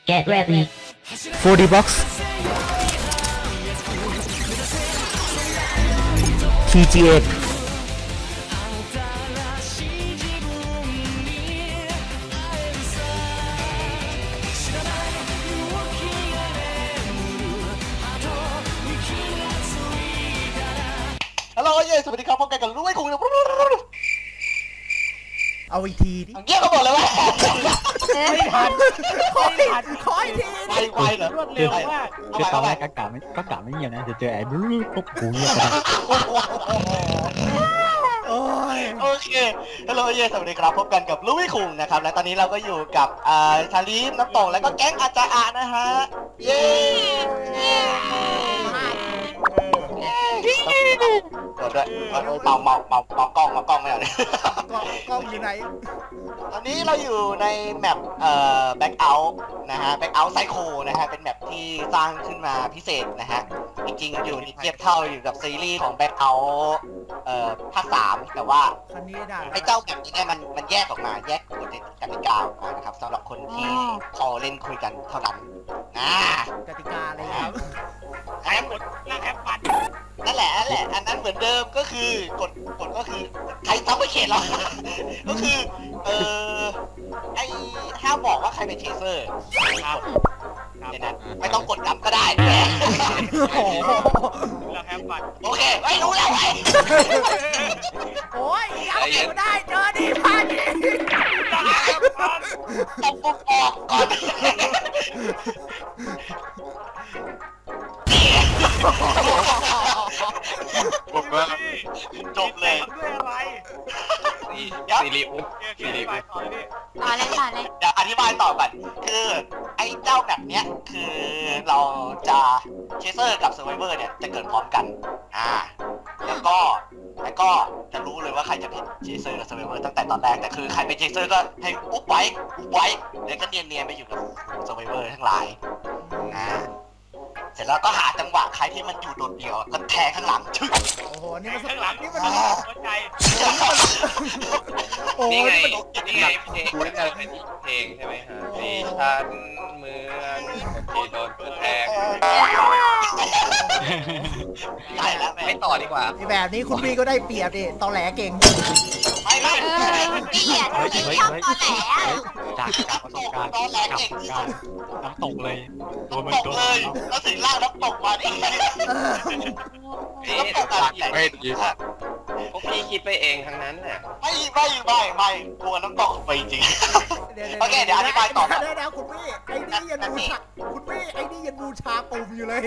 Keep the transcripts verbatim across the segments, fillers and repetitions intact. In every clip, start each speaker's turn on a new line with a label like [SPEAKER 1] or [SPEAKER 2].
[SPEAKER 1] Get ready.
[SPEAKER 2] โฟร์ ดี Box ที จี เอ็กซ์
[SPEAKER 3] ฮัลโหลเย้สวัสดีครับพบกันกับรู้ไว้คุงนะ
[SPEAKER 2] เอาอีกทีดิ
[SPEAKER 3] เยี่ยเขาบอกเลยว่า
[SPEAKER 4] ไม่ทันไม่ทัน
[SPEAKER 2] ขออีกที
[SPEAKER 3] ไวไวเหรอ
[SPEAKER 4] รวดเร็วมาก
[SPEAKER 5] คือตอนแรกก็กะไม่ก็กะไม่เงียบนะจะเจอไอ้บลูปุ๊บหูเงียบไป
[SPEAKER 2] โอ้ย
[SPEAKER 3] โอเคฮัลโหลเย้สวัสดีครับพบกันกับรู้ไว้คุงนะครับและตอนนี้เราก็อยู่กับอ่าชาลีฟน้ำตงแล้วก็แก๊งอาจารย์อานะฮะเย้เปิดด้วยเมาเมาเมาเมากล้องเมากล้องไม่เอาเลย
[SPEAKER 2] กล้องกล้องอยู่ไหน
[SPEAKER 3] ตอนนี้เราอยู่ในแมปเอ่อแบ็กเอาท์นะฮะแบ็กเอาท์ไซโคนะฮะเป็นแมปที่สร้างขึ้นมาพิเศษนะฮะจริงๆอยู่ในเทียบเท่าอยู่กับซีรีส์ของแบ็กเอาท์เอ่อภาคสามแต่ว่า
[SPEAKER 2] คันนี้ได้
[SPEAKER 3] ไอ้เจ้าแบบนี้เนี่ยมันมันแยกออกมาแยกกฎกติกาออกมานะครับสำหรับคนที่พอเล่นคุยกันเท่านั้นอ่าก
[SPEAKER 2] ติกาอะไรครับ
[SPEAKER 3] แอป
[SPEAKER 4] แล้วแอปปัด
[SPEAKER 3] นั่นแหละนั่นแหละอันนั้นเหมือนเดิมก็คือกฎกฎก็คือใครต้องไม่เขียนหรอก ก็คือเออไอ้ห้ามบอกว่าใครเป็นเชเซอร์
[SPEAKER 4] ครับ
[SPEAKER 3] ในนั้นไม่ต้องกดดับก็ได้
[SPEAKER 2] โอ้โห
[SPEAKER 4] แล้วแอปปัด
[SPEAKER 3] โอเคไม่รู้แล้วไอ้
[SPEAKER 2] โอ้ยยังอยู่ได้เจอดีพาดี
[SPEAKER 3] ตบปุ๊บออกก่อน
[SPEAKER 6] ผมว่า
[SPEAKER 3] จบเลย
[SPEAKER 4] ด้วยอะไร
[SPEAKER 3] เดี๋ยว
[SPEAKER 6] สิริอุ
[SPEAKER 4] เกี่ยวกับไปต่อเลย
[SPEAKER 1] ต่อเลยต่อเลย
[SPEAKER 3] เดี๋ยวอธิบายต่อก่อนคือไอ้เจ้าแบบเนี้ยคือเราจะเชเซอร์กับเซอร์ไวเวอร์เนี่ยจะเกิดพร้อมกันอ่าแล้วก็แล้วก็จะรู้เลยว่าใครจะเป็นเชเซอร์กับเซอร์ไวเวอร์ตั้งแต่ตอนแรกแต่คือใครเป็นเชเซอร์ก็ให้อุ๊บไว้อุ๊บไว้แล้วก็เนียนๆไปอยู่กับเซอร์ไวเวอร์ทั้งหลายอ่าเสร็จแล้วก็หาจังหวะใครที่มันอยู่โดดเดี่ยวก็แทงข้างหลังชึ้ง
[SPEAKER 2] โอ้โหนี่มัน
[SPEAKER 4] ข้างหลัง
[SPEAKER 2] นี่
[SPEAKER 4] นี่
[SPEAKER 2] มั
[SPEAKER 4] มัน นหัวใจ
[SPEAKER 2] โอ้
[SPEAKER 6] นี่
[SPEAKER 2] ย
[SPEAKER 6] ไง
[SPEAKER 2] มัน
[SPEAKER 6] นี่ไงเพลงนี่จะเป็นเพลงใช่ไหมฮะดิฉันเหมือนที่โดนเพื่อนแทง
[SPEAKER 3] ได้แล้วแม่
[SPEAKER 6] ไม่ต่อดีกว่า
[SPEAKER 2] ไอ้แบบนี้คุณพี่ก็ได้เปรียบดิตอแหลเก่ง
[SPEAKER 3] ไม่ไม่
[SPEAKER 1] เออพี่อ่ะพี่ชอบตอแหลอ่ะ
[SPEAKER 5] จากจากประสบการณ์จากประสบการณ์น้ำตกเลยตัวมัน
[SPEAKER 3] ตก
[SPEAKER 5] ตัว
[SPEAKER 3] เลยแล้วถึงล่างแล้วตกมาดิ
[SPEAKER 2] เออ
[SPEAKER 6] นี่
[SPEAKER 3] ตกอะไร
[SPEAKER 6] ไม่ดีพวกพี่คิดไปเองทั้งนั้นน่ะ
[SPEAKER 3] ไม่ไม่ไม่ไม่กลัวน้ำตกไปจริง โอเคเดี๋ยวอธิบายต่อ
[SPEAKER 2] เดี๋ยวเดี๋ยวคุณพี่ไอ้นี่ยังบูชาคุณพี่ไอ้นี่ยังบูชาปุ่มอยู่เลย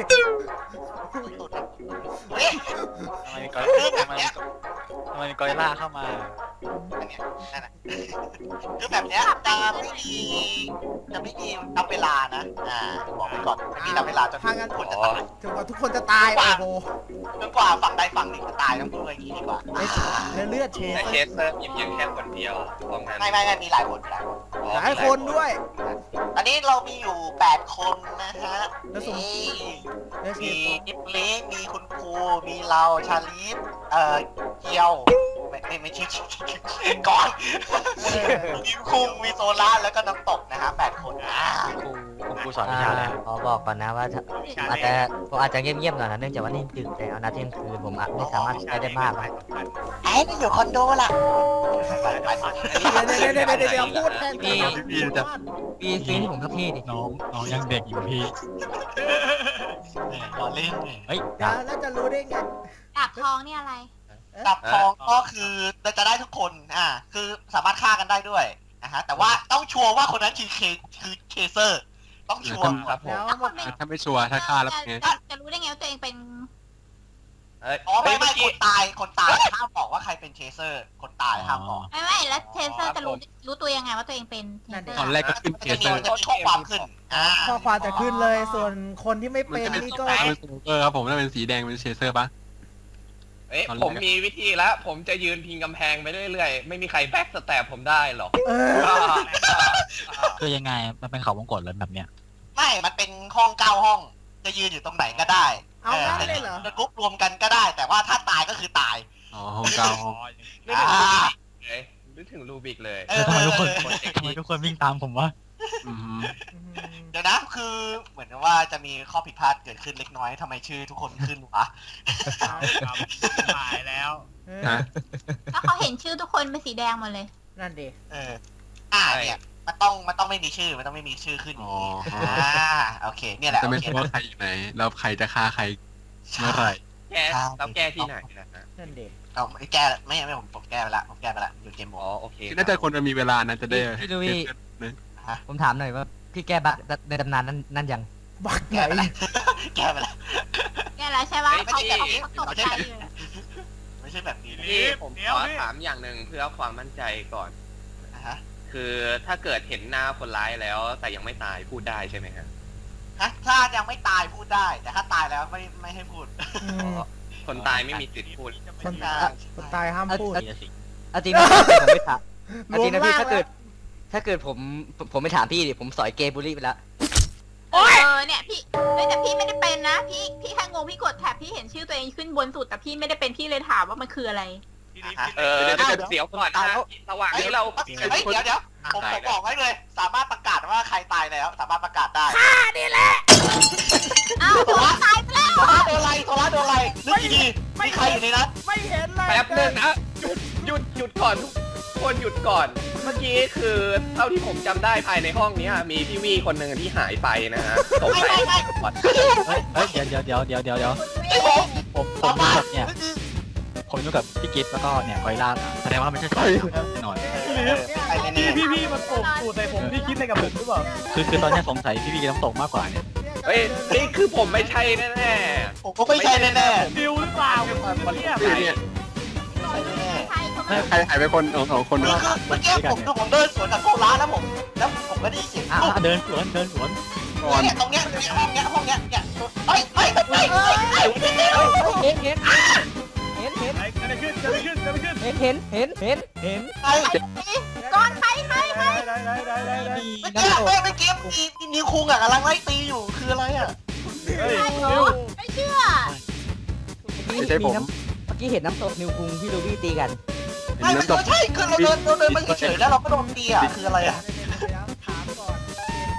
[SPEAKER 3] เฮ้ย
[SPEAKER 5] ทำไมกอทำไมทำไมกอริลล่าเข้ามา
[SPEAKER 3] อันเนี้ยนั่นแหละคือแบบเนี้ยจะไม่มีจะไม่มีนับเวลานะอ่าบอกไว้ก่อนไม่มีนับเวลาจน
[SPEAKER 2] ถ้างั้น
[SPEAKER 3] คนจะตาย
[SPEAKER 2] จนกว่าทุกคนจะตายโอ้โห
[SPEAKER 3] จนกว่าฝั่งใดฝั่งหนึ่งจะตายต้องพูดอย่างนี้ดีกว่า
[SPEAKER 2] แล้วเลือดเช
[SPEAKER 6] แต่เคสเซอร์มีเพียงแค่คนเดียวตรงนั้น
[SPEAKER 3] ไม่ไม่ไม่มีหลายคนมีหลายคน
[SPEAKER 2] หลายคนด้วย
[SPEAKER 3] ตอนนี้เรามีอยู่แปดคนนะฮะ
[SPEAKER 2] แล้วสม
[SPEAKER 3] นี่
[SPEAKER 2] แล้วเช
[SPEAKER 3] มี
[SPEAKER 2] ฟ
[SPEAKER 3] นิปเล็กมีคุณครูมีเราชาลีฟเอ่อเกียวไม่ไม่ไม่ใช่ก่อน มีคุงมีโซล่าแล้วก็น้ำตกนะฮะแปดคนอ่า
[SPEAKER 5] ครูครูสอนวิชาอะไร
[SPEAKER 7] ขอบอกก่อนนะว่าถ้าผมอาจจะผมอาจจะเงียบๆหน่อยนะเนื่องจากว่านี่ดึกแล้วนะเที่ยงคืนผมอาจไม่สามารถใช้ได้มากนะ
[SPEAKER 3] ไอ้มันอยู่คอนโดล่ะไปไปไป
[SPEAKER 2] เดี๋ยวเดี๋ยวเดี๋ยวเดี๋ยวเดี๋ยวพูดแทน
[SPEAKER 7] พี่
[SPEAKER 5] พี่จะ
[SPEAKER 7] พี่ซีที่ผมสักทีดิ
[SPEAKER 5] น้องน้องยังเด็กอยู่พี่
[SPEAKER 3] รอเล่น
[SPEAKER 5] เฮ้ย
[SPEAKER 2] เดี๋ยวแล้วจะรู้ได้ไง
[SPEAKER 1] ดาบทองนี่อะไร
[SPEAKER 3] ดับทองก็คือจะได้ทุกคนอ่าคือสามารถฆ่ากันได้ด้วยนะฮะแต่ว่าต้องชัวร์ว่าคนนั้นคือเคคือเคเซอร์ต้องชัวร์
[SPEAKER 6] ครับผม
[SPEAKER 2] แล้ว
[SPEAKER 1] แล้วคนเป็น
[SPEAKER 6] ถ้าไม่ชัวร์ถ้าฆ่าแล้ว
[SPEAKER 1] จะ
[SPEAKER 6] ไง
[SPEAKER 1] จะจะรู้ได้ไงว่าตัวเองเป็น
[SPEAKER 6] เอ้ย
[SPEAKER 3] อ๋อไม่
[SPEAKER 6] เมื่
[SPEAKER 3] ไม่
[SPEAKER 6] อ
[SPEAKER 3] ค
[SPEAKER 6] กี้
[SPEAKER 3] นตายคนตายห้ามบอกว่าใครเป็นเคเซอร์คนตายห้ามบอก
[SPEAKER 1] ไม่ไม่แล้วเทเซอร์จะรู้รู้ตัวยังไงว่าตัวเองเป็นเทเซอร์
[SPEAKER 6] ตอนแรกก็ขึ้นเค
[SPEAKER 3] จะ
[SPEAKER 6] ส
[SPEAKER 3] มี
[SPEAKER 6] เซอร์
[SPEAKER 3] จะมีข้อความขึ้นอ่า
[SPEAKER 2] ข้อความจะขึ้นเลยส่วนคนที่ไม่
[SPEAKER 6] มัน
[SPEAKER 2] เป็น
[SPEAKER 6] จะเป็น
[SPEAKER 2] นี่
[SPEAKER 6] สี
[SPEAKER 2] ก็
[SPEAKER 6] แดงเป็นสโนเกอร์ครับผมถ้าเป็นสีแดงเป็นเชเซอร์ปะ
[SPEAKER 8] เอ๊ะ
[SPEAKER 6] ตอนแรก
[SPEAKER 8] ผมมีวิธีแล้ว ผมจะยืนพิงกำแพงไปเรื่อยๆ ไม่มีใครแบ็กสแตปผมได้หรอก
[SPEAKER 2] เออ
[SPEAKER 5] คือยังไงมันเป็นเขาวงกตเลยแบบเนี้ย
[SPEAKER 3] ไม่มันเป็นห้องเก้าห้อง จะยืนอยู่ตรงไหนก็ได้
[SPEAKER 2] เอางั้นเลยเหรอ
[SPEAKER 3] จะกรุ๊ปรวมกันก็ได้ แต่ว่าถ้าตายก็คือตาย
[SPEAKER 6] อ๋อห้องเก้าห้อง
[SPEAKER 8] นึกถึงลูบิกเลยนึกถึงลูบิกเลย
[SPEAKER 3] เออ
[SPEAKER 5] ทำไมทุกคน
[SPEAKER 3] เออ
[SPEAKER 5] ทำไมทุกคนวิ่งตามผมวะ
[SPEAKER 3] เ
[SPEAKER 5] อืม
[SPEAKER 3] เดี๋ยวนะคือเหมือนกับว่าจะมีข้อผิดพลาดเกิดขึ้นเล็กน้อยทำไมชื่อทุกคนขึ้นวะ
[SPEAKER 4] เอาครับหายแล้ว
[SPEAKER 2] เออ
[SPEAKER 5] ฮะ
[SPEAKER 1] แล้วเขาเห็นชื่อทุกคนเป็นสีแดงหมดเลย
[SPEAKER 2] นั่นดิ
[SPEAKER 3] เอออ่าเนี่ยมันต้องมันต้องไม่มีชื่อมันต้องไม่มีชื่อขึ้นอย่างนี้อ่าโอเคเนี่ยแหละ
[SPEAKER 5] จะ
[SPEAKER 3] โอ
[SPEAKER 5] ไม่
[SPEAKER 3] เค
[SPEAKER 5] รู้ว่าใครอยู่ไหนแล้วใครจะฆ่าใครเมื่อไหร่
[SPEAKER 6] แก้แล้วแก้ที่ไหนนะฮะ
[SPEAKER 2] นั่นดิ
[SPEAKER 3] เอาไม่แก้ไม่ไม่ผมผมแก้ไปละผมแก้ไปละอยู่เกมโหม
[SPEAKER 6] อ๋อ
[SPEAKER 3] ด
[SPEAKER 6] โอเค
[SPEAKER 5] น่าจะคนมันมีเวลานะจะได้
[SPEAKER 7] พี่ลุย
[SPEAKER 5] นึง
[SPEAKER 7] ผมถามหน่อยว่าพี่แก้บั๊กในตำนานนั้นนั่นยัง
[SPEAKER 2] บักไห
[SPEAKER 3] แก้ไป
[SPEAKER 2] น
[SPEAKER 3] ละแก้ไปละ
[SPEAKER 1] แกแล้วใช่ปะเขาเขาตกใจเลย
[SPEAKER 3] ไม่ใช่แบบนี้นะ
[SPEAKER 6] พี่ผมขอถามอย่างหนึ่งเพื่อความมั่นใจก่อน
[SPEAKER 3] อ่าฮะ
[SPEAKER 6] คือถ้าเกิดเห็นหน้าคนร้ายแล้ว แต่ยังไม่ตายพูดได้ใช่ไหมฮะ
[SPEAKER 3] ฮะถ้ายังไม่ตายพูดได้ แต่ถ้าตายแล้วไม่ไม่ให้พูด
[SPEAKER 2] อืม
[SPEAKER 6] คนตายไม่มีสิทธิ์พูด
[SPEAKER 2] คนตายคนตายห้ามพูด
[SPEAKER 7] เอาจริงนะพี่ผมไม่ถามเอาจริงนะพี่
[SPEAKER 2] รวมร่าง
[SPEAKER 7] ถ้าเกิด ถ้าเกิดผมผมผมไม่ถามพี่ดิผมสอยเกย์บุรีไปแล้ว
[SPEAKER 1] เออเนี่ยพี่เฮ้ยแต่พี่ไม่ได้เป็นนะ พี่พี่แค่งงพี่กดแท็บพี่เห็นชื่อตัวเองขึ้นบนสุดแต่พี่ไม่ได้เป็นพี่เลยถามว่ามันคืออะไร
[SPEAKER 4] ทีนี้
[SPEAKER 6] เออเดี๋ยวก่อนนะระหว่างที่เรา
[SPEAKER 3] เฮ้ยเดี๋ยวเดี๋ยวผมผมบอกไว้เลย สามารถประกาศว่าใครตายแล้ว สามารถประกาศได้
[SPEAKER 1] อ้าวโดนตายไปแล้ว
[SPEAKER 3] โทรโดนอะไรโทรโดนอะไรนึกดีๆมีใครอยู่ในนั้น
[SPEAKER 2] ไม่เห็นเลย
[SPEAKER 6] แป๊บนึงนะหยุดหยุดหยุดก่อนทุกคนหยุดก่อน เมื่อกี้คือเท่าที่ผมจำได้ภายในห้องนี้มีพี่วีคนหนึ่งที่หายไปนะฮะสง
[SPEAKER 3] ไม่
[SPEAKER 6] สัย
[SPEAKER 3] ไม่ไม่
[SPEAKER 6] ก่อน
[SPEAKER 5] เฮ้ยเฮ้ยเดี๋ยวเดี๋ยวเดี๋ยวเดี๋ยวเดี๋ยวเดี๋ยว
[SPEAKER 3] ไอ้ผม
[SPEAKER 5] ผมผมอยู่กับเนี่ยผมอยู่กับพี่กิฟต์แล้วก็เนี่ยกอยล่าแสดงว่าไม่ใช่สายแน่นอน
[SPEAKER 3] ใครแน่
[SPEAKER 4] พี่พี่มันปลูกสูตรใส่ผมพี่คิดอะไรกับผมหรือเปล่า
[SPEAKER 5] คือคือตอนเนี้ยสงสัยพี่พี่น้ำตกมากกว่าเนี่ย
[SPEAKER 6] เฮ้ยนี่คือผมไม่ใช่แน่
[SPEAKER 3] ๆผมก็ไม่ใช่แน่ๆ
[SPEAKER 4] ดิวหรือเปล่าเนี่ย
[SPEAKER 5] พี่เนี่ย
[SPEAKER 3] ไม่ใช่แน่
[SPEAKER 1] ใช่เขา
[SPEAKER 5] ใครใครหายไปคนสองสองคน
[SPEAKER 3] ๆคือ
[SPEAKER 5] ว่า
[SPEAKER 3] คือเมื่อกี้ผมคือผมเดินสวนกับโกร้าแล้วผม แล้วผมก็ได้ยินเสียง
[SPEAKER 5] อ่ะ
[SPEAKER 3] ปุ๊บ
[SPEAKER 5] อ่ะเดินสวนเดินสวนก่อน
[SPEAKER 3] เนี่ยตรงเนี้ยเนี่ยห้องเนี้ยห้องเนี้ยเนี่ยเฮ้ยเฮ้ยเฮ้ยเฮ้ยเฮ้ย
[SPEAKER 7] เห็นเห็นเห็นเห็น
[SPEAKER 4] ไอ้จะได้ขึ้นจะได้ขึ้นจะได้ขึ้น
[SPEAKER 7] เห็นเห็นเห็นเห็นเห็น
[SPEAKER 3] เฮ้ย
[SPEAKER 1] ก้อนใครใครใคร
[SPEAKER 4] ได้ได้ได้ได้ได้
[SPEAKER 5] มี
[SPEAKER 3] เมื่อกี้
[SPEAKER 5] น้ำตก
[SPEAKER 3] เมื่อกี้มีมีนิวคุงอ่ะกำลังไล่ตีอยู่คืออะไรอ่ะ
[SPEAKER 4] เฮ้ย
[SPEAKER 1] ใช่เหร
[SPEAKER 4] ดิ
[SPEAKER 1] อ
[SPEAKER 4] ว
[SPEAKER 1] ไม่เชื่อ
[SPEAKER 5] ไม่ใช่ผม
[SPEAKER 7] น้ำเมื่อกี้เห็นน้ำตกนิวคุงพี่ลูบี้ตีกัน
[SPEAKER 3] ไม่ไม่
[SPEAKER 5] น้ำตก
[SPEAKER 3] ใช่คือเราเดินเราเดินไปเฉยๆแล้วเราก็โดนตีอ่ะคืออะไรอ่ะ
[SPEAKER 2] ถามก่อน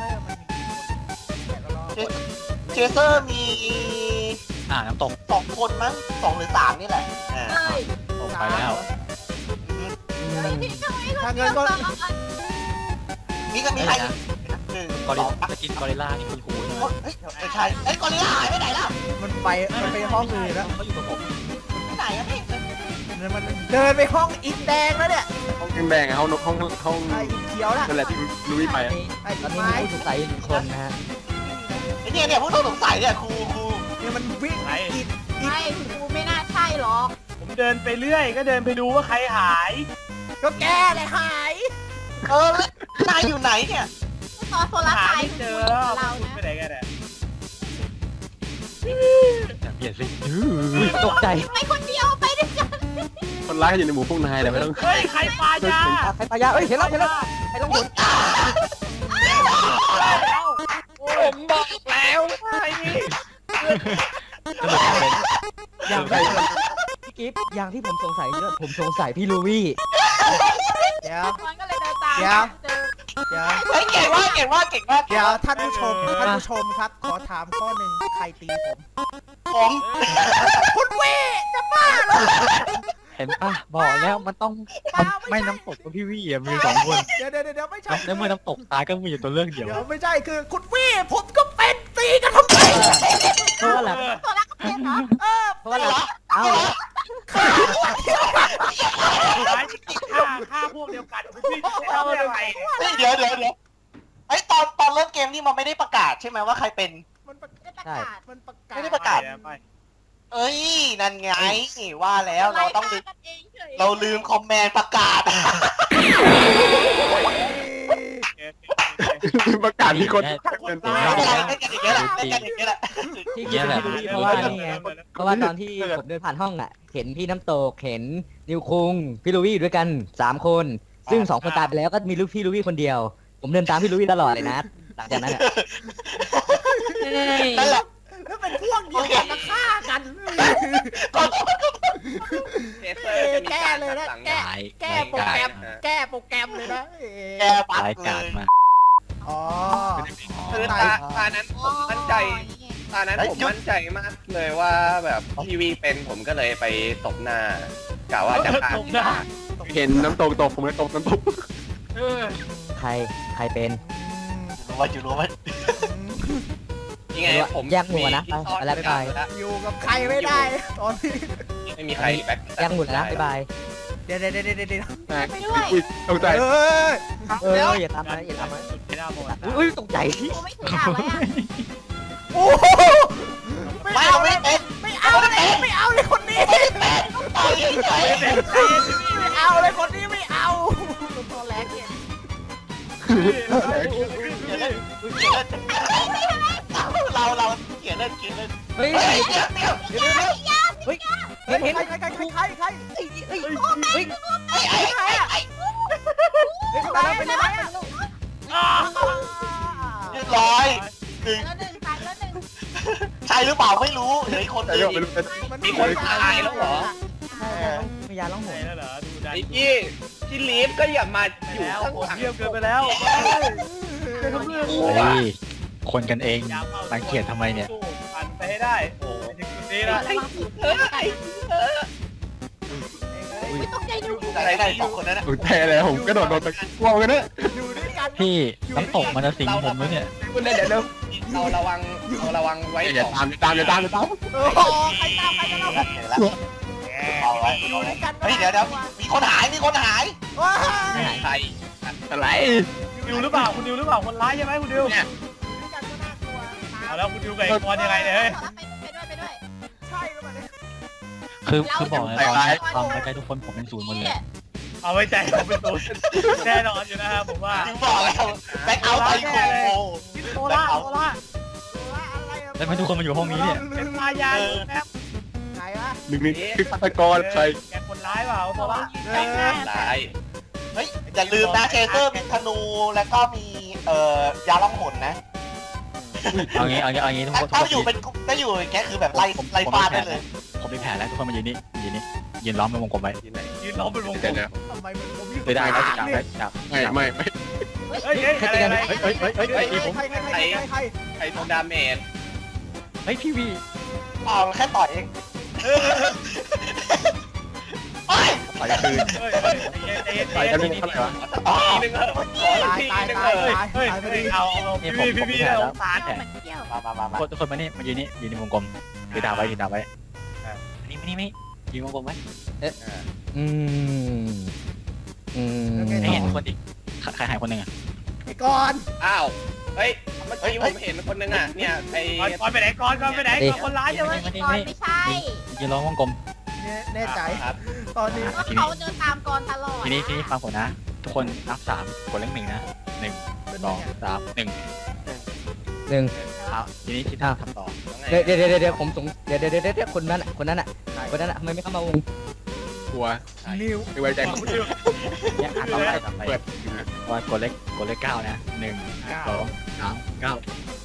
[SPEAKER 2] เจเซอร์มันมีกี่คนแกะก็รอ
[SPEAKER 3] เชเซอร์มี
[SPEAKER 5] อ่าน้ำตก
[SPEAKER 3] สองคนมั้งสองหรือสามนี่แหละเออ
[SPEAKER 1] เฮ้ย
[SPEAKER 5] ตกไปแล้ว
[SPEAKER 1] เฮ้ยพี่ทำไม
[SPEAKER 2] ถ้า
[SPEAKER 1] เขา
[SPEAKER 2] เงินก็
[SPEAKER 3] มีก็มีใครหนึ่ง
[SPEAKER 5] กอ
[SPEAKER 3] ส
[SPEAKER 5] ริ
[SPEAKER 3] อง
[SPEAKER 5] ลากินกอริลล่านี่คุณครูใช่ไหม
[SPEAKER 3] เฮ้ยไม่ใช่เฮ้ยกอริลลาหายไปไหนล่ะ
[SPEAKER 2] มันไปมันไปห้องอื่นแล้ว
[SPEAKER 5] เขาอยู่กับผม
[SPEAKER 3] ไปไหนอ่ะพี่
[SPEAKER 2] มันเดินไปห้องอินแดงแล้วเนี่ย
[SPEAKER 5] ห้องแดงๆห้องห้องห้อง
[SPEAKER 2] ไอ้อินเขียวน่ะ
[SPEAKER 5] นั่นแหละที่ลุยไปอะ
[SPEAKER 2] ไอ้
[SPEAKER 7] ตอนนี้
[SPEAKER 2] ไม้
[SPEAKER 7] มีผู้สงสัยหนึ่งคนนะฮะ
[SPEAKER 3] ไอ้เนี่ยเนี่ยผู้ต้องสงสัยเนี่ยครูครู
[SPEAKER 2] เนี่ยมันวิ่งอิน
[SPEAKER 1] ไม่กูไม่น่าใช่หรอก
[SPEAKER 4] ผมเดินไปเรื่อยก็เดินไปดูว่าใครหาย
[SPEAKER 2] ก็แก้เลยหาย
[SPEAKER 3] เออแล้วนายอยู่ไหนเนี่ย
[SPEAKER 1] ตอนโซลาร์
[SPEAKER 4] หา
[SPEAKER 1] ไซ
[SPEAKER 4] ไม่
[SPEAKER 1] ด์
[SPEAKER 4] เจอแล้ว
[SPEAKER 1] เรา
[SPEAKER 4] คุณ
[SPEAKER 1] นะ
[SPEAKER 4] ไปไหนกันเนี่ย
[SPEAKER 5] อย่าเปลี่ยนสิ
[SPEAKER 7] ตกใจ
[SPEAKER 1] ไปคนเดียวไปด้วยกัน
[SPEAKER 5] คนร้ายอยู่ในหมู่พวกนายแต่ไม่ต้อง
[SPEAKER 4] เฮ้ยใครปลายา
[SPEAKER 7] ใครปายาเอ้ยเห็นแล้วเห็นแล้วใครต้องหยุด
[SPEAKER 6] ผมบอกแล้วไอ้นี่
[SPEAKER 5] จะบอกเป็น
[SPEAKER 7] อย่างที่พี่กิฟต์อย่างที่ผมสงสัยเนี่ยผมสงสัยพี่ลูวี่
[SPEAKER 2] เดี๋ยว
[SPEAKER 1] มันก็เลยเดินตาม
[SPEAKER 2] เดี๋ยว
[SPEAKER 1] เจอ
[SPEAKER 2] เดี๋ยว
[SPEAKER 3] เฮ้ยเก่งมากเก่งมากเก่งมาก
[SPEAKER 2] เดี๋ยวท่านผู้ชมท่านผู้ชมครับ ขอถามข้อหนึ่งใครตีผม
[SPEAKER 3] ผม
[SPEAKER 2] คุณเวจะบ้าเหรอ
[SPEAKER 5] เห็นป่ะบอกแล้วมันต้องมันไม่น้ำตกกับพี่วี่อะมีสองคน
[SPEAKER 2] เดี๋ยวเดี๋ยวเดี๋ยวไม่ใช่
[SPEAKER 5] แล้วเมื่อน้ำตกตายก็มีอยู่ตัวเลือกเดียว
[SPEAKER 2] เดี๋ยวไม่ใช่คือคุณเวผมก็เป็นตีกันทำไม
[SPEAKER 7] เพราะว่าหลัง
[SPEAKER 1] โซลาร์ก็เป็นเหรอ
[SPEAKER 2] เออ
[SPEAKER 7] เพราะว่าหลังเอ้า
[SPEAKER 4] หายฆ่าฆ่าพวกเดียวกันพี่จะเอาอะไร
[SPEAKER 3] เฮ้ยเดี๋ยวเดี๋ยวเดี๋ยวไอ้ยตอนตอนเริ่มเกมนี่มันไม่ได้ประกาศใช่ไหมว่าใครเป็น
[SPEAKER 2] มันประ
[SPEAKER 1] ได้ประกาศ
[SPEAKER 2] มันประกาศ
[SPEAKER 3] ไม่ได้ประกาศ
[SPEAKER 4] ไป
[SPEAKER 3] เอ้ยนั่นไงว่าแล้วเราต้องลืม
[SPEAKER 1] ไล่ฆ่กันเองเฉย
[SPEAKER 3] เราลืมคอมแมนประกาศ
[SPEAKER 5] ประกาศมีคน
[SPEAKER 2] คนตา
[SPEAKER 3] ไม่
[SPEAKER 2] ย
[SPEAKER 3] เป็นไรเล่นกันอย่างเงี้ยแหละเล่นกันอย่างเงี้ยแหละ
[SPEAKER 7] ที่กิฟต์พี่ลูวี่เพราะว่านี่ไงเพราะว่าตอนที่ผมเดินผ่านห้องอ่ะ เห็นพี่น้ำตกเห็นนิวคุงพี่ลูวี่อยู่ด้วยกันสามคน ซึ่งสองคนตายไปแล้วก็มีลูกพี่ลูวี่คนเดียว ผมเดินตามพี่ลูวี่ตลอดเลยนะหลังจากนั้นอ่ะ
[SPEAKER 3] นั่นแหละ
[SPEAKER 2] แล้วเป็นพวกเดียวกันมาฆ่ากัน
[SPEAKER 6] เทเซอร์จะมี
[SPEAKER 2] แก้
[SPEAKER 6] การ
[SPEAKER 2] เลยนะ
[SPEAKER 6] สั่ง
[SPEAKER 2] แก้
[SPEAKER 6] งาน
[SPEAKER 2] แก้โปรแกรม แก้โปรแกรมเลยนะ
[SPEAKER 3] แกปัด
[SPEAKER 5] ราย
[SPEAKER 3] เล
[SPEAKER 5] การ
[SPEAKER 3] ย
[SPEAKER 5] มา
[SPEAKER 1] เ
[SPEAKER 2] อ๋อ
[SPEAKER 6] คือตาตานั้นผมมั่นใจ ตอนนั้นผมมั่นใจมากเลยว่าแบบทีวีเป็นผมก็เลยไปตบหน้ากะว่าจะฆ่า
[SPEAKER 4] ตบหน้า
[SPEAKER 9] เห็นน้ำตกตกผมเลยตกน้ำตก
[SPEAKER 4] เออ
[SPEAKER 7] ใครใครเป็น
[SPEAKER 3] รู้ว่าอยู่รู้ว่า
[SPEAKER 6] ยังไงผม
[SPEAKER 7] แยกหมู่นะไปไปแล้วบ๊ายบาย
[SPEAKER 2] อยู่กับใครไม่ได้ตอนนี้
[SPEAKER 6] ไม่มีใครแบ็ค
[SPEAKER 7] ยังหมดแล้วนะบ๊ายบาย
[SPEAKER 2] เดี๋ยวเดี๋ยวเดี๋ยวเดี๋ยวเดี๋ยว
[SPEAKER 1] ไปด้วย
[SPEAKER 9] อุ้ยตกใจ
[SPEAKER 2] เอ้ย
[SPEAKER 7] เอออย่าตามมาอย่าตามมา
[SPEAKER 4] ไม่น่าหมด
[SPEAKER 7] อุ้ยตกใจที่
[SPEAKER 1] กูไม่ถือดาบไว้อะ
[SPEAKER 2] โอ้โห
[SPEAKER 3] ไม่เอาไม่เป็น
[SPEAKER 2] ไม่เอาเลยไม่เอาเลยคนนี้
[SPEAKER 3] ต่อยเฉย
[SPEAKER 2] ไม่เอาเลยคนนี้ไม่เอา
[SPEAKER 1] ตัวแรกเนี่ย
[SPEAKER 3] เราเราเขียนเล่นเขียนเล่น
[SPEAKER 7] เฮ้ย
[SPEAKER 3] เฮ้ยเดี๋ยวเดี๋ยว
[SPEAKER 7] เฮ้ยเห็นเห็น
[SPEAKER 2] ใครใครใครใครใคร
[SPEAKER 7] เฮ้ยเฮ้ย
[SPEAKER 3] ไอ้ไอ้ไอ้ไอ้
[SPEAKER 2] ไปแล้วไปแล้ว
[SPEAKER 3] เรียบร้อยหนึ่ง
[SPEAKER 1] แล้วหนึ่งตายแล้วหนึ่ง
[SPEAKER 3] ใช่หรือเปล่าไม่รู้เหลืออีกคน
[SPEAKER 9] แต่
[SPEAKER 3] นึ
[SPEAKER 9] ยัง
[SPEAKER 3] ง
[SPEAKER 9] ไม่รู้จะ
[SPEAKER 6] มีคนตายแล้วเหรอ
[SPEAKER 7] มียาล่องห
[SPEAKER 4] ไหน
[SPEAKER 7] น
[SPEAKER 4] แล้วเหรอดูดัน
[SPEAKER 6] ไอ้พี่ที่ลีฟก็อย่ามา
[SPEAKER 4] ไป
[SPEAKER 6] อยู่
[SPEAKER 4] แล้ว
[SPEAKER 6] ข้าง
[SPEAKER 4] โห
[SPEAKER 6] ห
[SPEAKER 4] ด
[SPEAKER 6] ลัง
[SPEAKER 4] เยี่ยมเกินไปแล้ว
[SPEAKER 5] เฮ้ยคนกันเองรังเกียจทำไมเนี่ย
[SPEAKER 4] ปั่นไปให้ได้โอ้ยถึงจุดนี้ละ
[SPEAKER 6] ไอ้เออไอ้เออ
[SPEAKER 1] ไม่ต้องใจดู
[SPEAKER 3] อะไรได้สองคนนั้นนะ
[SPEAKER 9] ตกใจเลยผมกระโดดโดนไปกลัวกันนะ
[SPEAKER 2] อยู่ด้วยกัน
[SPEAKER 5] พี่น้ำตกมันจะสิงผมแล้วเนี่ย
[SPEAKER 9] คุณได้เดี๋ยวเร็ว
[SPEAKER 6] เราระวังเราระวังไว้
[SPEAKER 9] อย่า
[SPEAKER 6] สอง
[SPEAKER 9] ตามอย่าตามอย่าตามอย่าตาม
[SPEAKER 2] โอ้โหใครตามใครกันเรา
[SPEAKER 3] เห็นแล้วเอาไว้
[SPEAKER 2] อยู่ด้วยกัน
[SPEAKER 3] เฮ้ยเดี๋ยวเดี๋ยวมีคนหายมีคนหาย
[SPEAKER 2] ว้า
[SPEAKER 6] ใคร
[SPEAKER 9] อะไร
[SPEAKER 4] ดิวหรือเปล่าคุณดิวหรือเปล่าคนร้ายใช่ไหมคุณดิว
[SPEAKER 2] ด้วยกันก็น่ากลัว
[SPEAKER 4] เอาแล้วคุณดิวกับไอ้กอนยังไงเนี่ยเฮ้ย
[SPEAKER 1] ไปด้วยไปด้วย
[SPEAKER 2] ใช่หรือเปล่าเนี่ย
[SPEAKER 5] คือคือบอกเลยตอนนี้ความไว้ใจทุกคนผมเป็นศูนย์หมดเลย
[SPEAKER 4] เอาไว้ใจผมเป็นตัวแน่นอนอยู่นะครับผมว่า
[SPEAKER 3] ถึงบอกแล้วแบ็คเอาท์ไซโค
[SPEAKER 4] โซล่าโซล่า
[SPEAKER 2] อะไรอะ
[SPEAKER 5] แล้วทำไมทุกคนมาอยู่ห้องนี้เนี่ย
[SPEAKER 4] เป็นพายาแป๊บ
[SPEAKER 2] ไหนวะ
[SPEAKER 9] หนึ่งนี่คือฆาตกรใคร
[SPEAKER 4] แกคนร้ายเปล่าโซล่า
[SPEAKER 2] เออ
[SPEAKER 6] ตาย
[SPEAKER 3] เฮ้ยอย่าลืมนะเชเซอร์มีธนูแล้วก็มีเอ่อยาล่องหนนะ
[SPEAKER 5] เอางี้เอางี้เอางี้ทุกคน
[SPEAKER 3] ถ้าอยู่เป็นถ้าอยู่อย่างเงี้ยคือแบบไล่ไล่ฟาดได้เลย
[SPEAKER 5] ผมมีแผนแล้วทุกคนมายืนนี่ยืนนี่ยืนล้อมเป็นวงกลมไว้
[SPEAKER 4] ยืนล้อมเป็นวงกล
[SPEAKER 9] เดี๋ยว
[SPEAKER 4] ม
[SPEAKER 9] เดี๋ยว
[SPEAKER 2] ทำไมมันผมอยู่
[SPEAKER 5] เลยได้แล้วจับได้จับ
[SPEAKER 9] ไม่ไม่ไม่
[SPEAKER 4] เฮ้ยเฮ้ยอะไรอะไร
[SPEAKER 5] เฮ้ยเฮ้ยเฮ้ยเฮ้ย
[SPEAKER 2] ใคร
[SPEAKER 5] เฮ้ยผม
[SPEAKER 2] ใครใครใครใครใคร
[SPEAKER 6] ใครโดนดาเมจ
[SPEAKER 5] เฮ้ยพี่วี
[SPEAKER 3] อ๋อแค่ต่อยเองโอ้ย
[SPEAKER 5] ต่อยคืน
[SPEAKER 4] เฮ้ยเฮ้ยใจเย็นใจ
[SPEAKER 9] ต่อย
[SPEAKER 4] เย็
[SPEAKER 9] กัน
[SPEAKER 4] น
[SPEAKER 9] เป็นเท่าไหร่วะ
[SPEAKER 6] ทีนึงเหรอขอ
[SPEAKER 2] ตาย
[SPEAKER 6] ที
[SPEAKER 2] ตาย
[SPEAKER 6] นึง
[SPEAKER 2] ตา
[SPEAKER 6] เหร
[SPEAKER 2] ย
[SPEAKER 6] อ
[SPEAKER 2] ตาย
[SPEAKER 4] เฮ้ย
[SPEAKER 2] ตายพอ
[SPEAKER 4] เฮ้ย
[SPEAKER 2] ดี
[SPEAKER 4] เอาเอาพี่พี่พี่พี่เอาสาร
[SPEAKER 1] มันเที่ยว
[SPEAKER 3] มามามามา
[SPEAKER 5] ทุกคนมานี่มายืนนี่ยืนในวงกลมยืนดาวไว้ยืนดาวไว้นี่ไม่นี่ไม่ยืนวงกลมไว้
[SPEAKER 7] อืมอืม
[SPEAKER 5] ให้เห็นคนอีกใครหายคนหนึ่งอ่ะ
[SPEAKER 2] ไอ้ก่อน
[SPEAKER 6] อ้าวเฮ้ยเมื่อกี้ผมเห็นคนนึงอ่ะเนี่ยไอ้
[SPEAKER 4] ก่อนก่อนไปไหนก่อนก่อนไปไหนก่อนคนร้ายใช่ไหม
[SPEAKER 1] ก่อนไม่ใช่
[SPEAKER 5] ยืนล้อมวงกลม
[SPEAKER 2] แน่ใจ
[SPEAKER 6] ครับ
[SPEAKER 2] ตอนนี้
[SPEAKER 1] ว่าเขาเดินตามก่อนตลอด
[SPEAKER 5] ทีนี้ทีนี้ฟังผมนะ ทุกคนนับสามกดเลขหนึ่งนะหนึ่งสองสามหนึ่ง
[SPEAKER 7] หนึ่ง
[SPEAKER 5] เอาทีนี้คิดท่าทำต่อ
[SPEAKER 7] เดี๋ยวเดี๋ยวเดี๋ยวเดี๋ยวผมสงเดี๋ยวเดี๋ยวเดี๋ยวเดี๋ยวคนนั้นอ่ะคนนั้นอ่ะคนนั้นอ่ะทำไมไม่เข้ามาวง
[SPEAKER 9] กลัว
[SPEAKER 2] นิว
[SPEAKER 9] ไม่ไว้ใจผม
[SPEAKER 5] เนี่ยอ่านต่อไปต่อไป
[SPEAKER 9] เปิด
[SPEAKER 5] ว่ากดเลขกดเลขเก้านะหนึ่งสองสามเก้า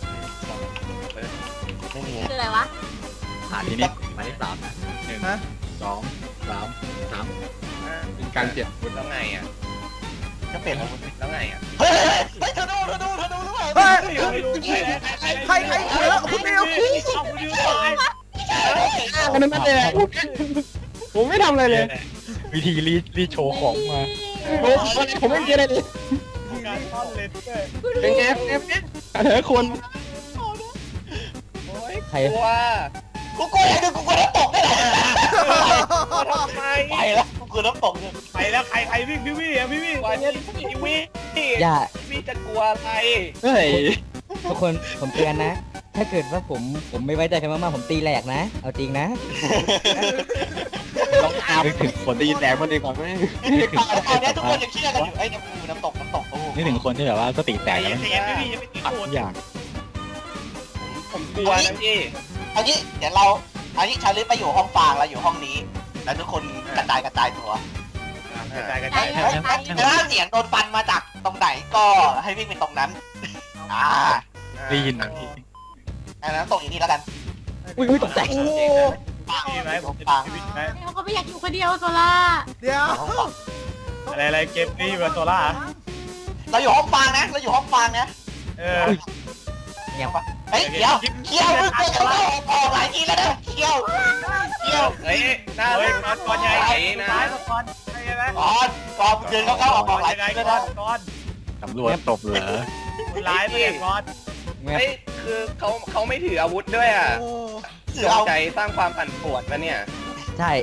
[SPEAKER 3] ไม่มี
[SPEAKER 1] คืออะไรวะ
[SPEAKER 5] หาทีนี้หมายเลขสามนะหนึ่งสองสามสาม
[SPEAKER 9] เป็นการเปลี่ยน
[SPEAKER 6] แล้วไงอ่ะ
[SPEAKER 3] ก็เปลี่ยนอาวุธ
[SPEAKER 6] แล้วไงอ่ะ
[SPEAKER 3] เฮ้ยเฮ้ยเธอดูเธอดูเธอดูหรือเปล่า
[SPEAKER 2] เฮ้ย
[SPEAKER 4] ใคร
[SPEAKER 2] ใครใครเขยคุณนิว
[SPEAKER 4] เอาคุณดิวตาย
[SPEAKER 9] อันนั้นนั่นเลยผมไม่ทำอะไรเลย
[SPEAKER 5] วิธีรีดรีดโชว์ของมา
[SPEAKER 9] ผมผมไม่เกี่ยวอะไรเลย
[SPEAKER 4] การซ่อนเลนเตอร์
[SPEAKER 9] เป็นไงเอฟเธอคน
[SPEAKER 6] โอ้ย
[SPEAKER 7] ใคร
[SPEAKER 6] กลัว
[SPEAKER 3] กูกลัวอะไรกูกลัวน้ำตกได้แหละ
[SPEAKER 6] ทำไม
[SPEAKER 3] ไปแล้วกูกลัวน้ำตกเนี่ย
[SPEAKER 4] ไปแล้วใครใครวิ่งพี่วิ่งพี่วิ่ง
[SPEAKER 6] กลัวนี่ทีวี
[SPEAKER 7] อย่า
[SPEAKER 6] พี่จะกลัวอะไร
[SPEAKER 9] เฮ้ย
[SPEAKER 7] ทุกคนผมเตือนนะ ถ้าเกิดว่าผมผมไม่ไว้ใจใครมากๆผมตีแหลกนะ เอาจริงนะ
[SPEAKER 9] ต้องอาบถึงคนได้ยินแรงมันดีกว่าไหม
[SPEAKER 3] ตอนนี้ทุกคนยังเชื่อกันอยู่ไอ้น้ำกูน้ำตกน้ำตกโอ้
[SPEAKER 5] นี่ถึงคนที่แบบว่าสติแต
[SPEAKER 4] แต่
[SPEAKER 5] ก
[SPEAKER 4] ยั
[SPEAKER 5] แล้ว
[SPEAKER 4] งเสียพี่พี่ยังไม่ตี
[SPEAKER 5] อัด
[SPEAKER 4] โด
[SPEAKER 5] ทุ
[SPEAKER 4] น
[SPEAKER 5] กอย่าง
[SPEAKER 6] ผมกลัวนะพี่
[SPEAKER 3] เอางี้เดี๋ยวเราเอางี้ชาลิฟไปอยู่ห้องฟางแล้วอยู่ห้องนี้ แล้วทุกคนกระจายกระจายตัว
[SPEAKER 4] กระจายกระ
[SPEAKER 1] ใจ
[SPEAKER 4] จาย
[SPEAKER 1] เลยใจเลย
[SPEAKER 3] ถ้าเสียงโดนฟันมาจากตรงไหนก็ให้วิ่งไปตรงนั้น อ่า
[SPEAKER 5] ได้ยิน
[SPEAKER 3] อันนั้นตกอย่างนี้แล้วกัน
[SPEAKER 7] อุ้ยอุ้ยตกใจ
[SPEAKER 2] โอ้
[SPEAKER 4] พี่ไหมผมจะชีวิตไหม
[SPEAKER 1] เขาก็ไม่อยากอยู่คนเดียวโซล่า
[SPEAKER 2] เดี๋ยว
[SPEAKER 3] ห้องฟาง
[SPEAKER 4] อะไรอะไรเกมนี้แบบโซล่า
[SPEAKER 3] เราอยู่ห้องฟางนะ เราอยู่ห้องฟางนะ
[SPEAKER 4] เออ
[SPEAKER 7] เงียบ
[SPEAKER 3] เฮ้ยเคียวเคียวมึงเจอเขาออกหลายทีแล้วนะเคียวเคียว
[SPEAKER 6] เฮ้ยน่า
[SPEAKER 4] เฮ้
[SPEAKER 6] รั
[SPEAKER 4] ย
[SPEAKER 6] ก
[SPEAKER 4] ก่อนก่อนใหญ่
[SPEAKER 6] ไอ้
[SPEAKER 4] นะ
[SPEAKER 6] นะ
[SPEAKER 4] ก่อนใช่ไหม
[SPEAKER 3] ก่อนก่อนเดินเข้าๆออกออกหลาย
[SPEAKER 4] ยังไง
[SPEAKER 3] ทีแล้ว
[SPEAKER 4] ก่อ
[SPEAKER 3] นะ
[SPEAKER 4] นก่อน
[SPEAKER 5] ตำรวจตบเหรอ
[SPEAKER 4] คุณร้ายไปเลยก่อน
[SPEAKER 7] เงียบ
[SPEAKER 6] เฮ้ยคือเขาเขาไม่ถืออาวุธด้วยอ่ะ
[SPEAKER 2] โอ้
[SPEAKER 3] เสื
[SPEAKER 6] จ
[SPEAKER 3] อง เอา
[SPEAKER 6] ใจสร้างความปั่นป่วนมาเนี่ย
[SPEAKER 7] ใช่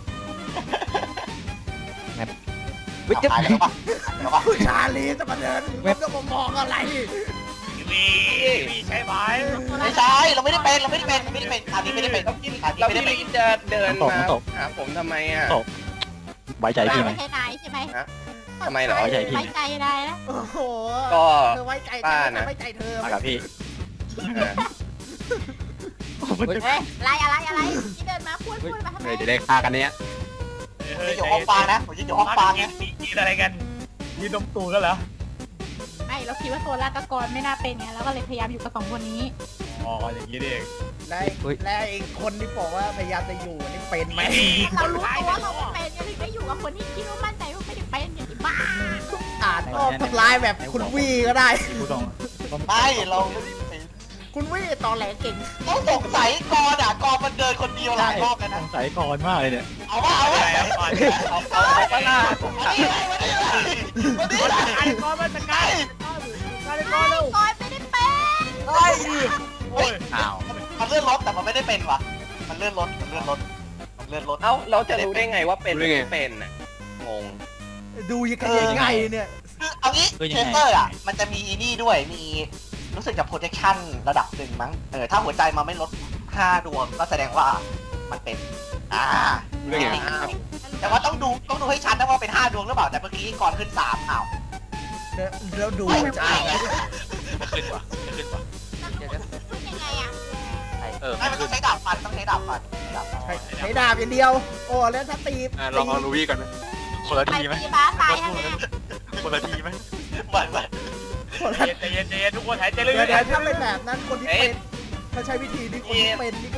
[SPEAKER 7] เงียบวิจิต
[SPEAKER 3] ตายแล้วปะแล้วปะ
[SPEAKER 2] คุณชาลีจะมาเดินมันจะมามองอะไร
[SPEAKER 4] มีมีใช่ไหม
[SPEAKER 3] ไม่ใช่เราไม่ได้เป็นเราไม่ได้เป็นไม่ได้เป็นคราวนี้ไม่ได้เป็น
[SPEAKER 6] แล้วพี่
[SPEAKER 3] คราวนี้
[SPEAKER 6] แล้ว
[SPEAKER 3] ไม่ได้
[SPEAKER 6] พี่
[SPEAKER 3] เป็น
[SPEAKER 6] ลีจะเดินมาหาผมทำไมอ่ะ
[SPEAKER 5] ไว้ใจพี่ไหม
[SPEAKER 1] ไม่ใช่นายใช่ไหม
[SPEAKER 6] ทำไมเหรอ
[SPEAKER 5] ไว้ใจพี่
[SPEAKER 1] ไว้ใจนายนะ
[SPEAKER 2] โอ้โห
[SPEAKER 6] ก็
[SPEAKER 2] เธอไว้ใจเธ
[SPEAKER 6] ป้า
[SPEAKER 2] อ
[SPEAKER 6] นะ
[SPEAKER 2] ไว้ใจเธอ
[SPEAKER 5] มากับพี่
[SPEAKER 6] เออ
[SPEAKER 1] เฮ้ยอะไรอะไรอะไรที่เดินมาพูดพูดมาทำไม
[SPEAKER 9] เลยจะได้ฆ่ากันเนี้ย
[SPEAKER 3] ผมจะอยู่ห้องปลานะผมจะอยู่ห้องปลานะ
[SPEAKER 4] กินอะไรกันยืนดมตูกันเหรอ
[SPEAKER 1] ไม่เราคิดว่าโซล่ากับกรไม่น่าเป็นไงแล้วก็เลยพยายามอยู่กับสองคนนี้
[SPEAKER 4] อ๋ออย่างนี้เอง
[SPEAKER 2] และและไอ้คนที่บอกว่าพยายามจะอยู่นี่เป็นไหม
[SPEAKER 1] เรารู้ตัวว่าเราไม่เป็นยังไม่อยู่กับคนที่คิดว่ามั่นใจว่าไม่ได้เป็นอย่างที่บ้า
[SPEAKER 2] อาจก็ทำร้ายแบบคุณวี่ก็ได้
[SPEAKER 5] ผู้ต้อง
[SPEAKER 3] ไม่เราไม่ได้เป็น
[SPEAKER 2] คุณวี่ตอแหลเก่ง
[SPEAKER 3] ต้องสงสัยกอนอ่ะกอนมันเดินคนเดียวหลายรอบแล้ว
[SPEAKER 5] ส
[SPEAKER 3] นะ
[SPEAKER 5] งสัยก่อนมากเลยเนี่ย
[SPEAKER 3] เอาว่าเอา
[SPEAKER 4] อะ
[SPEAKER 3] ว่า
[SPEAKER 4] ไรครับก่อน
[SPEAKER 6] เอาเอาเอาปะล่ะ
[SPEAKER 3] วันนี้เลยวันนี้เลยวันนี้เลย
[SPEAKER 4] ไอ้ก้อนมันจะใกล้ใกล้ก้อนแล้ว
[SPEAKER 1] กรไม่ได้เป็น
[SPEAKER 3] เฮ้ย
[SPEAKER 4] โอ้ย
[SPEAKER 5] อ้าว
[SPEAKER 3] มันเลื่อนรถแต่มันไม่ได้เป็นว่ะมันเลื่อนรถมันเลื่อนรถมันเลื่อนรถ
[SPEAKER 6] เอ้าเราจะรู้ได้ไงว่าเป็นหรือไม่เป็นน่ะงง
[SPEAKER 2] ดูยังไงยังไงเนี่ย
[SPEAKER 3] คือเอางี้เทสเตอร์อ่ะมันจะมีนี่ด้วยมีรู้สึกจะ protection ระดับหนึ่งมั้งเออถ้าหัวใจมันไม่ลดห้าดวงก็แสดงว่ามันเป็นอ่า
[SPEAKER 9] รู้ได้ไง
[SPEAKER 3] แต่ว่าต้องดูต้องดูให้ชัดนะว่าเป็นห้าดวงหรือเปล่าแต่เมื่อกี้ก่อนขึ้นสามอ้าว
[SPEAKER 2] แล้วดู
[SPEAKER 3] ไม่
[SPEAKER 2] จะ
[SPEAKER 3] ใช่
[SPEAKER 5] ไม่ขึ้นว่ะไม่ขึ้นว่ะ
[SPEAKER 1] พูดยังไงอ่ะ
[SPEAKER 5] เออ
[SPEAKER 3] ไม่มันต้องใช้ดาบฟันต้องใช้ดาบฟันดาบฟัน
[SPEAKER 2] ใช้ดาบอย่างเดียว โอ้แล้วถ้าตี
[SPEAKER 9] อ่ะลองเอาลูวี่ก่อนนะ
[SPEAKER 5] คนละ
[SPEAKER 1] ไป
[SPEAKER 5] ทีไหม
[SPEAKER 1] ตีบ้าตายทั้งนั้น
[SPEAKER 5] คนละทีไหม
[SPEAKER 3] เหมือนเหมือน
[SPEAKER 4] ใจเย็นใจเย็นทุกคนหายใจลึก
[SPEAKER 2] เดี๋ยวเดี๋ยวถ้าเป็นแบบนั้นคนที่เป็นถ้าใช้วิธีนี้คนที่เป็นนี่ก็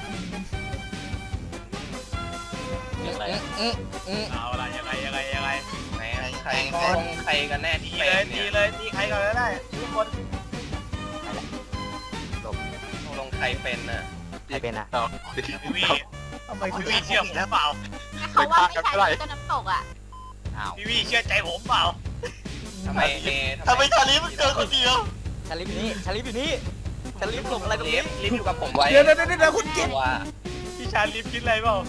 [SPEAKER 5] ยังไง
[SPEAKER 4] เอาล่ะยังไงยังไงยังไง
[SPEAKER 6] ไหนใครก็ใครกันแน่ที่
[SPEAKER 4] ดี
[SPEAKER 6] เป็
[SPEAKER 4] เลย
[SPEAKER 6] น
[SPEAKER 4] ดี
[SPEAKER 6] เนี่ย
[SPEAKER 4] เลยดีใครก่อนก็ได้ทุกคน
[SPEAKER 6] ตกลงใครเป็นน่ะ
[SPEAKER 7] ใครเป็นอ่ะ
[SPEAKER 4] พี่วี
[SPEAKER 2] ทำไม
[SPEAKER 4] พี่
[SPEAKER 2] คุณ
[SPEAKER 4] วีเชื่อผมเปล่า
[SPEAKER 1] เขาว่าไม่ใช่ก็น้ำตกอ่ะ
[SPEAKER 5] อ้าว
[SPEAKER 4] พี่วีเชื่อใจผมเปล่า
[SPEAKER 6] ทำไมเอ
[SPEAKER 3] ทำไมชาลีมันเจอคนเดียว
[SPEAKER 7] ชาลิฟอยู่นี่ชาลิฟอยู่นี่ชาลิฟหลบอะไรตรง
[SPEAKER 6] ลิ
[SPEAKER 7] นี้
[SPEAKER 6] ฟลิฟอยู่กับผมไว้
[SPEAKER 2] เดี๋ยวเดี๋ยวเดี๋ยวคุณกิน
[SPEAKER 6] ว่า
[SPEAKER 4] พี่ชาลิฟคิดอะไรเปล่า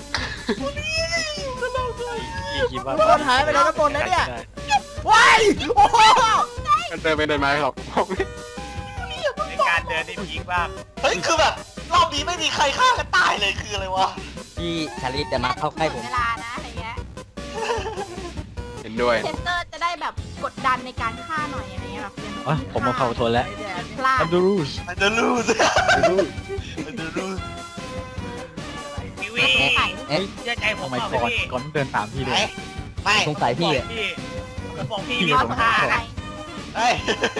[SPEAKER 5] พี่คิดว่า
[SPEAKER 2] คนหายไปแล้วนะบนนะเนี่ยว้ายโอ้โห
[SPEAKER 9] มันเดินไปเดินมาหรอก
[SPEAKER 4] ในการเดินในพีคบ้าง
[SPEAKER 3] เฮ้ยคือแบบรอบนี้ไม่มีใครฆ่ากันตายเลยคืออะไรวะ
[SPEAKER 7] พี่ชาลิฟจะมาเข้าใกล้ผม
[SPEAKER 1] เวลานะอะไรเงี้ย
[SPEAKER 9] เห็นด้วย
[SPEAKER 1] เทสเตอร์จะได้แบบกดดันในการฆ่าหน่อยอะไรเงี้ยแบบ
[SPEAKER 5] อ๋อผมมาเข้าทนแล้ว
[SPEAKER 1] พลาด
[SPEAKER 5] อันดูรูส
[SPEAKER 3] มันจะรู้สิมันจะรู้
[SPEAKER 4] พี่วี
[SPEAKER 7] เอ๊ะ
[SPEAKER 4] เชื่อใจผม
[SPEAKER 5] ทำไม
[SPEAKER 4] เปล่า
[SPEAKER 5] ก่อน
[SPEAKER 4] พี่
[SPEAKER 5] ก่อนเดินตามพี่
[SPEAKER 3] ไห
[SPEAKER 5] เล
[SPEAKER 3] น
[SPEAKER 5] ย
[SPEAKER 3] ไม่
[SPEAKER 7] สงสัยพี่อ่ะ
[SPEAKER 4] พี่ผมบอกพี่
[SPEAKER 5] พี่
[SPEAKER 4] มี
[SPEAKER 1] รอ
[SPEAKER 4] ค
[SPEAKER 1] ส
[SPEAKER 4] น
[SPEAKER 1] ง
[SPEAKER 4] ฆ่า
[SPEAKER 1] สัยใคร
[SPEAKER 3] เฮ้ย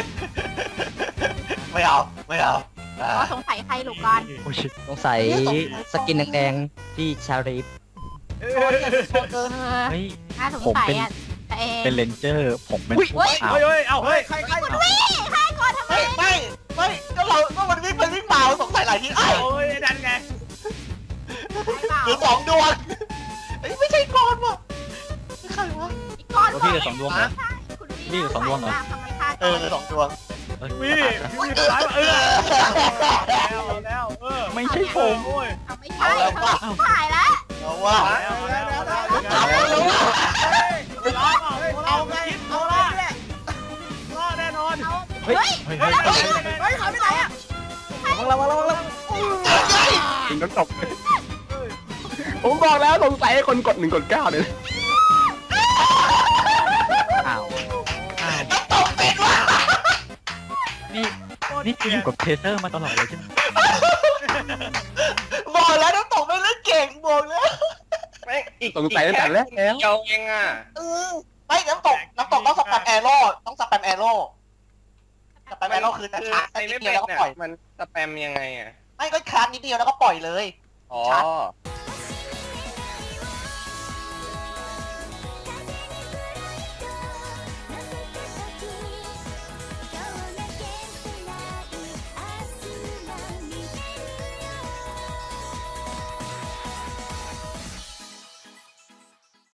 [SPEAKER 3] ไม่เอาไม่เอาอ่าร
[SPEAKER 1] อสงสัยใครลูกก่อน
[SPEAKER 5] โอ้ย
[SPEAKER 7] สงสัยสกินแดงๆพี่ชาลิฟ
[SPEAKER 1] เออ
[SPEAKER 5] เฮ้ย
[SPEAKER 1] น่าสงสัยอ่ะแต่เอง
[SPEAKER 5] เป็นเลนเจอร์ผมเป็น
[SPEAKER 1] เฮ้ย
[SPEAKER 5] อ้าว
[SPEAKER 4] เฮ้ยเฮ้ยเอาเฮ้ย
[SPEAKER 2] ใครใคร
[SPEAKER 1] ฆ่าก่อนทำไม
[SPEAKER 3] เฮ้ยไม่ไม่ก็เราก็มันวิ่งไปวิ่งมาสงสัยหลายทีไอ้
[SPEAKER 4] โอ้ยดันไง
[SPEAKER 3] หรือสองดวงเฮ้ยไม่ใช่ก้อนว่ะใครวะ
[SPEAKER 1] อีกก้อน
[SPEAKER 5] แล้วพี่เหลือสองดวงเหรอ
[SPEAKER 1] คุณ
[SPEAKER 5] นี่เหลือสองดวงเหรอ
[SPEAKER 1] ทำไมฆ่า
[SPEAKER 3] เอ
[SPEAKER 1] ก่อ
[SPEAKER 3] อน เหลือสองดวง
[SPEAKER 5] เอ้ย
[SPEAKER 4] พี่พี่ทำร้ายเออแล้วแล้วเออ
[SPEAKER 5] ไม่ใช่ผม
[SPEAKER 4] โอ้ย
[SPEAKER 1] เอาไม่ใช่เขาหายแล้ว
[SPEAKER 3] เอาว่า
[SPEAKER 4] แล้วแล้วแล้วแล้ว
[SPEAKER 3] เอาแล้วว่า
[SPEAKER 2] เอาไงเอาไงเนี่ย
[SPEAKER 4] รอดแน่นอน
[SPEAKER 1] เอา
[SPEAKER 5] เฮ้ย
[SPEAKER 1] เฮ้ย
[SPEAKER 5] เฮ้ยเฮ้ย
[SPEAKER 2] เฮ้ยหายไปไหนอ่ะ
[SPEAKER 7] ระวังระวังระวังระวัง
[SPEAKER 9] ถึงน้ำตก ผมบอกแล้วสงสัยคนกดหนึ่งกดเก้าเลย
[SPEAKER 5] อ้าวอ้าว
[SPEAKER 3] น้ำตกเป็นว่ะ
[SPEAKER 5] นี่นี่คืออยู่กับเทเซอร์มาตลอดเลยใช่ไหม
[SPEAKER 3] บอกแล้วน้ำตกไม่เล่นเก่งบอกแล้ว
[SPEAKER 6] ไม่อีก
[SPEAKER 9] สงสัยตั้งแต่แรกแล้ว
[SPEAKER 6] เดียวเองอ่ะ
[SPEAKER 3] เออไม่น้ำตกน้ำตกต้องสแปมแอโร่ต้องสแปมแอโร่สแปมแอโร่คือจะ
[SPEAKER 6] คือ
[SPEAKER 3] ชาร์จ
[SPEAKER 6] ใคร
[SPEAKER 3] นิ
[SPEAKER 6] ไม่
[SPEAKER 3] ดเดี
[SPEAKER 6] เป็
[SPEAKER 3] ยวน แล้วก็
[SPEAKER 6] เนี่ย
[SPEAKER 3] ปล่อย
[SPEAKER 6] มันสแปมยังไงอ่ะ
[SPEAKER 3] ไม่ก็ชาร์จนิดเดียวแล้วก็ปล่อยเลย
[SPEAKER 6] อ๋อ
[SPEAKER 3] ชัด